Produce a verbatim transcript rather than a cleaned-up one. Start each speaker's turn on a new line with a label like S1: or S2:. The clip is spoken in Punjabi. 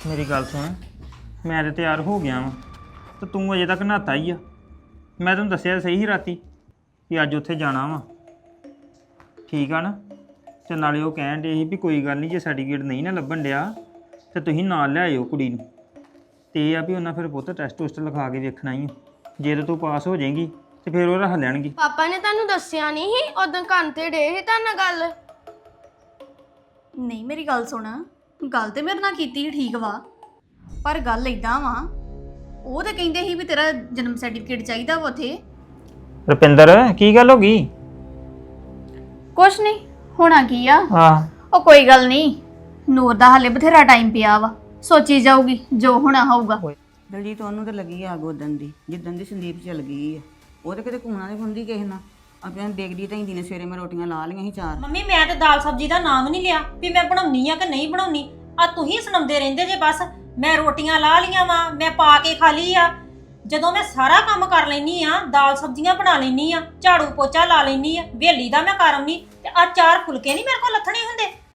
S1: ਮੇਰੀ ਗੱਲ ਸੁਣ, ਮੈਂ ਤੇ ਤਿਆਰ ਹੋ ਗਿਆ ਵਾਂ ਤੇ ਤੂੰ ਅਜੇ ਤੱਕ ਨਹਾਤਾ ਹੀ ਆ। ਮੈਂ ਤੈਨੂੰ ਦੱਸਿਆ ਸਹੀ ਸੀ ਰਾਤੀ ਕਿ ਅੱਜ ਉੱਥੇ ਜਾਣਾ ਵਾ, ਠੀਕ ਆ ਨਾ। ਤੇ ਨਾਲੇ ਉਹ ਕਹਿਣ ਡੇ ਸੀ ਵੀ ਕੋਈ ਗੱਲ ਨਹੀਂ, ਜੇ ਸਰਟੀਫਿਕੇਟ ਨਹੀਂ ਨਾ ਲੱਭਣ ਡਿਆ ਤੇ ਤੁਸੀਂ ਨਾਲ ਲੈ ਆਇਓ ਕੁੜੀ ਨੂੰ। ਤੇ ਇਹ ਆ ਵੀ ਉਹਨਾਂ ਫਿਰ ਪੁੱਤ ਟੈਸਟ ਟੁਸਟ ਲਿਖਾ ਕੇ ਵੇਖਣਾ ਹੀ ਆ। ਜੇ ਤਾਂ ਤੂੰ ਪਾਸ ਹੋ ਜਾਏਂਗੀ ਤੇ ਫਿਰ ਉਹ ਰੱਖ ਲੈਣਗੇ।
S2: ਪਾਪਾ ਨੇ ਤੁਹਾਨੂੰ ਦੱਸਿਆ ਨਹੀਂ ਸੀ ਉਦੋਂ ਕੰਨ ਤੇ ਡੇ ਸੀ ਤੁਹਾਡੇ ਨਾਲ ਗੱਲ?
S3: ਨਹੀਂ ਮੇਰੀ ਗੱਲ ਸੁਣ, ਗੱਲ ਤੇ ਮੇਰੇ ਨਾਲ ਕੀਤੀ ਸੀ ਠੀਕ ਵਾ, ਪਰ ਗੱਲ ਇਦਾਂ ਵਾ, ਉਹ ਤਾਂ ਕਹਿੰਦੇ ਸੀ ਵੀ ਤੇਰਾ ਜਨਮ ਸਰਟੀਫਿਕੇਟ ਚਾਹੀਦਾ ਵਾ ਉੱਥੇ।
S1: ਰੁਪਿੰਦਰ ਕੀ ਗੱਲ ਹੋ ਗਈ?
S3: ਕੁਛ ਨਹੀਂ ਹੋਣਾ ਕੀ ਆ,
S1: ਹਾਂ
S3: ਉਹ ਕੋਈ ਗੱਲ ਨਹੀਂ, ਨੂਰ ਦਾ ਹਾਲੇ ਬਥੇਰਾ ਟਾਈਮ ਪਿਆ ਵਾ, ਸੋਚੀ ਜਾਊਗੀ ਜੋ ਹੋਣਾ ਹੋਊਗਾ।
S4: ਦਲਜੀਤ ਉਹਨੂੰ ਤਾਂ ਲੱਗੀ ਆਗ ਉਦਣ ਦੀ ਜਿੱਦਣ ਦੀ ਸੰਦੀਪ ਚੱਲ ਗਈ ਆ। ਉਹ ਤਾਂ ਕਿਤੇ ਕੂਣਾ ਨਹੀਂ ਖੁੰਦੀ ਕਿਸੇ ਨਾਲ। ਆਪਣੇ ਦੇਖਦੀ ਢੈਂਦੀ ਨੇ ਸਵੇਰੇ ਮੈਂ ਰੋਟੀਆਂ ਲਾ ਲਈਆਂ ਸੀ ਚਾਰ।
S5: ਮੰਮੀ ਮੈਂ ਤੇ ਦਾਲ ਸਬਜ਼ੀ ਦਾ ਨਾਮ ਨਹੀਂ ਲਿਆ ਵੀ ਮੈਂ ਬਣਾਉਣੀ ਆ ਕਿ ਨਹੀਂ ਬਣਾਉਣੀ। ਆ ਤੁਸੀਂ ਸੁਣਾਉਂਦੇ ਰਹਿੰਦੇ ਜੇ ਬਸ। ਮੈਂ ਰੋਟੀਆਂ ਲਾ ਲੀਆਂ ਵਾ, ਮੈਂ ਪਾ ਕੇ ਖਾ ਲਈ ਆ। ਜਦੋਂ ਮੈਂ ਸਾਰਾ ਕੰਮ ਕਰ ਲੈਣੀ ਆ, ਦਾਲ ਸਬਜ਼ੀਆਂ ਬਣਾ ਲੈਣੀ ਆ, ਝਾੜੂ ਪੋਚਾ ਲਾ ਲੈਣੀ ਆ, ਵੇਲੀ ਦਾ ਮੈਂ ਕਰਮ ਨਹੀਂ ਤੇ ਆ ਚਾਰ ਫੁਲਕੇ ਨਹੀਂ ਮੇਰੇ ਕੋਲ ਲੱਥਣੇ ਹੁੰਦੇ।